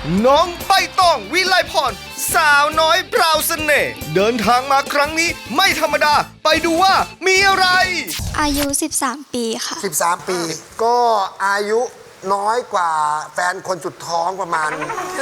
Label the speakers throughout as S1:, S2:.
S1: น้องใบตองวิไลพรสาวน้อยพราวเสน่ห์เดินทางมาครั้งนี้ไม่ธรรมดาไปดูว่ามีอะไร
S2: อายุ13 ปีค่ะ
S3: 13 ปีก็อายุน้อยกว่าแฟนคนสุดท้องประมาณ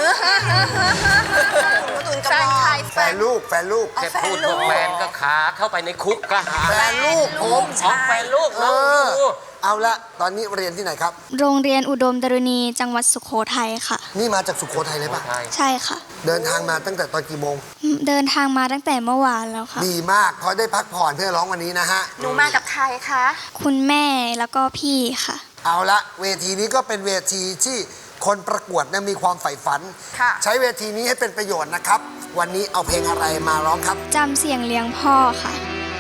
S3: แฟนลูก
S4: แค่พูดว่าแฟนก็ขาเข้าไปในคุกก็หา
S3: แฟนลูกผม
S4: ของแฟนลูกน้องดู
S3: เอาละตอนนี้เรียนที่ไหนครับ
S2: โรงเรียนอุดมดรุณีจังหวัดสุโขทัยค่ะ
S3: นี่มาจากสุโขทัยเลยป่ะ
S2: ใช่ค่ะ
S3: เดินทางมาตั้งแต่ตอนกี่โมง
S2: เดินทางมาตั้งแต่เมื่อวานแล้วค่ะ
S3: ดีมากพอได้พักผ่อนเพื่อร้องวันนี้นะฮะ
S5: หนูมากับใครคะ
S2: คุณแม่แล้วก็พี่ค่ะ
S3: เอาละเวทีนี้ก็เป็นเวทีที่คนประกวดนะมีความใฝ่ฝันใช้เวทีนี้ให้เป็นประโยชน์นะครับวันนี้เอาเพลงอะไรมาร้องครับ
S2: จำเสียงเลี้ยงพ่อค่ะ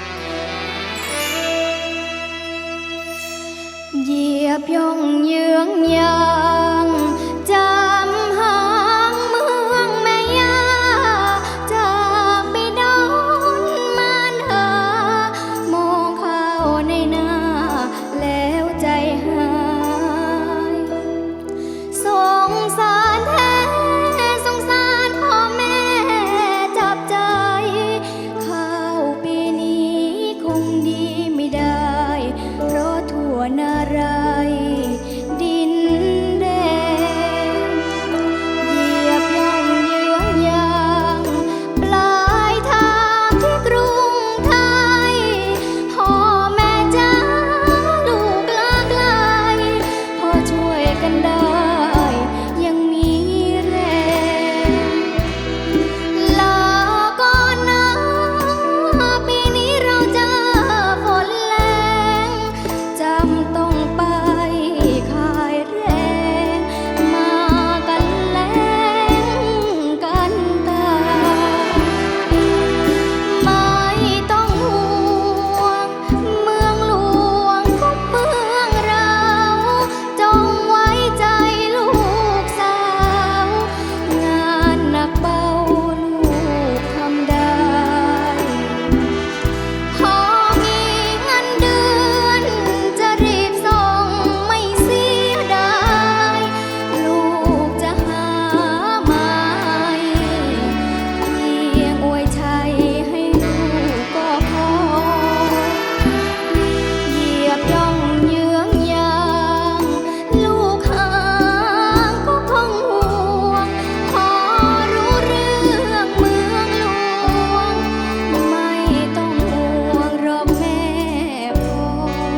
S2: เหยียบย่องเยื้องยางจำหางเมืองแม่ยาจากไปดอนมานหามองเข้าในหน้าแล้วใจหายสงสารแท้สงสารพ่อแม่จับใจข้าวปีนี้คงดีไม่ได้เพราะทั่วนารายดินแดงเหยียบย่องเยื้องยางปลายทางที่กรุงไทยพ่อแม่จ้าลูกลาไกลพอช่วยกันได้ยังมีแรงลาก่อนนะปีนี้เราเจอฝนแรงจำต้องไปขายแรงมากันแรงกันตายไม่ต้องห่วงเมืองหลวงของเมืองเราจงไว้ใจลูกสาวงานหนักเบาลูกทำได้พอมีเงินเดือนจะรีบส่งไม่เสียดายลูกจะหามาเพียงอวยชัยให้ลูกก็พอเหยียบย่องเยื้องยางลูกหางก็คงห่วงพอรู้เรื่องเมืองหลวงไม่ต้องห่วงหรอกแม่พ่อ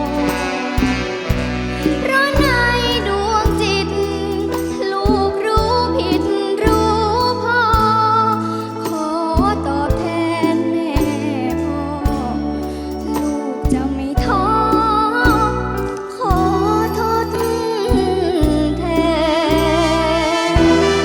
S2: เพราะในดวงจิตลูกรู้ผิดรู้พอขอตอบแทนแม่พ่อลูกจะไม่ท้อขอทดแทน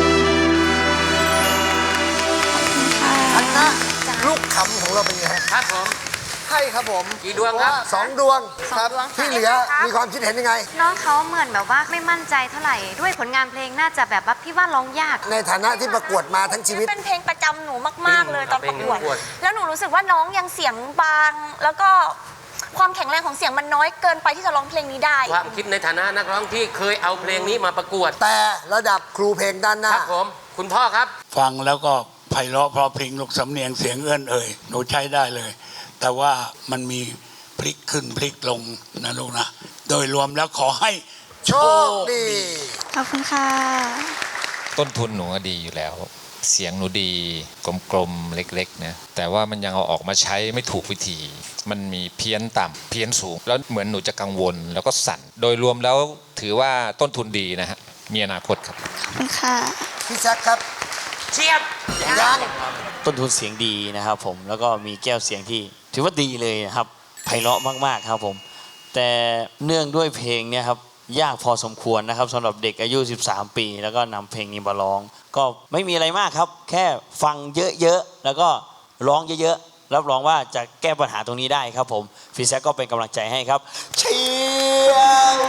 S3: คณะลูกขำของเราเป็นไงฮะ
S4: ครับผม
S3: ให้ครับผม
S4: กี่ดวงครับ
S3: 2 ดวงครับที่เหลือมีความคิดเห็นยังไง
S5: น้องเขาเหมือนแบบว่าไม่มั่นใจเท่าไหร่ด้วยผลงานเพลงน่าจะแบบว่าพี่ว่าร้องยาก
S3: ในฐานะที่ประกวดมาทั้งชีวิต
S5: เป็นเพลงประจำหนูมากๆเลยตอนประกวด
S4: เพลงประกวด
S5: แล้วหนูรู้สึกว่าน้องยังเสียงบาง แล้วก็ความแข็งแรงของเสียงมันน้อยเกินไปที่จะร้องเพลงนี้ได้
S4: ความคิดในฐานะนักร้องที่เคยเอาเพลงนี้มาประกวด
S3: แต่ระดับครูเพลงด้านหน้า
S4: ครับผมคุณพ่อครับ
S6: ฟังแล้วก็ไพเราะเพราะเพลงลูกสำเนียงเสียงเอื้อนเอ่ยหนูใช้ได้เลย แต่ว่ามันมีพลิกขึ้นพลิกลงนะลูกนะ โดยรวมแล้วขอให้
S3: โชคดี
S2: ขอบคุณค่ะ
S7: ต้นทุนหนูดีอยู่แล้ว เสียงหนูดีกลมๆเล็กๆนะแต่ว่ามันยังเอาออกมาใช้ไม่ถูกวิธี มันมีเพี้ยนต่ำเพี้ยนสูงแล้วเหมือนหนูจะกังวลแล้วก็สั่นโดยรวมแล้วถือว่าต้นทุนดีนะฮะมีอนาคตครับ
S2: ขอบคุณค่ะ
S3: พี่แจ็คครับ
S4: เชียบ
S3: ยัง
S8: ต้นทุนเสียงดีนะครับผมแล้วก็มีแก้วเสียงที่ถือว่าดีเลยนะครับไพเราะมากๆครับผมแต่เนื่องด้วยเพลงเนี่ยครับยากพอสมควรนะครับสำหรับเด็กอายุ13 ปีแล้วก็นำเพลงนี้มาร้องก็ไม่มีอะไรมากครับแค่ฟังเยอะๆแล้วก็ร้องเยอะๆรับรองว่าจะแก้ปัญหาตรงนี้ได้ครับผมฟีแซกก็เป็นกำลังใจให้ครับเชียร์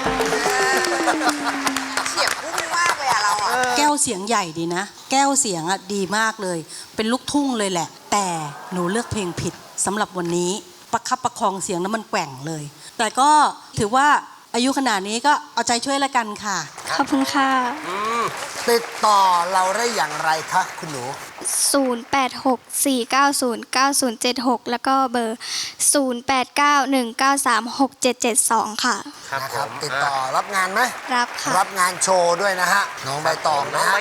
S5: เสียงพุ่งมากเลยอะเราอะ
S9: แก้วเสียงใหญ่ดีนะแก้วเสียงอะดีมากเลยเป็นลูกทุ่งเลยแหละแต่หนูเลือกเพลงผิดสำหรับวันนี้ประคับประคองเสียงแล้วมันแกว่งเลยแต่ก็ถือว่าอายุขนาดนี้ก็เอาใจช่วยละกันค่ะ
S2: ขอบคุณค่ะ
S3: ติดต่อเราได้อย่างไรคะคุณหนู
S2: 0864909076 แล้วก็เบอร์ 0891936772 ค่ะ
S3: นะครับ ติดต่อรับงานไหม
S2: รับค่ะ
S3: รับงานโชว์ด้วยนะฮะ น้องใบตองนะฮะ